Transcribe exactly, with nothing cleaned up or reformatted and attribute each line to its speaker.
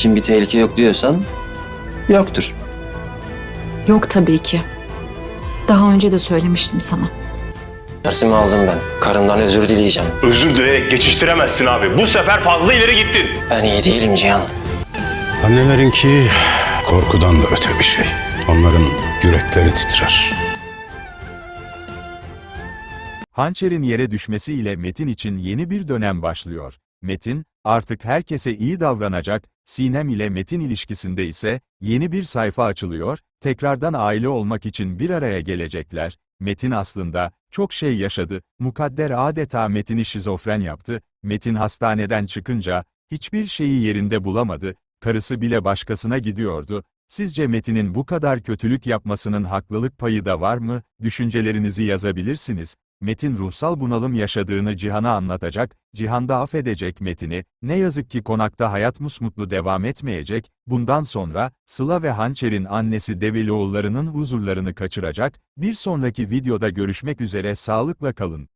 Speaker 1: için bir tehlike yok diyorsan yoktur.
Speaker 2: Yok tabii ki. Daha önce de söylemiştim sana.
Speaker 1: Dersimi aldım ben. Karımdan özür dileyeceğim.
Speaker 3: Özür dileyerek geçiştiremezsin abi. Bu sefer fazla ileri gittin.
Speaker 1: Ben iyi değilim Cihan.
Speaker 4: Annelerinki korkudan da öte bir şey. Onların yürekleri titrer.
Speaker 5: Hançer'in yere düşmesiyle Metin için yeni bir dönem başlıyor. Metin, artık herkese iyi davranacak, Sinem ile Metin ilişkisinde ise yeni bir sayfa açılıyor, tekrardan aile olmak için bir araya gelecekler. Metin aslında çok şey yaşadı, Mukadder adeta Metin'i şizofren yaptı, Metin hastaneden çıkınca hiçbir şeyi yerinde bulamadı, karısı bile başkasına gidiyordu. Sizce Metin'in bu kadar kötülük yapmasının haklılık payı da var mı? Düşüncelerinizi yazabilirsiniz. Metin ruhsal bunalım yaşadığını Cihan'a anlatacak, Cihan da affedecek Metin'i. Ne yazık ki konakta hayat musmutlu devam etmeyecek, bundan sonra Sıla ve Hançer'in annesi Develioğulları'nın huzurlarını kaçıracak. Bir sonraki videoda görüşmek üzere, sağlıkla kalın.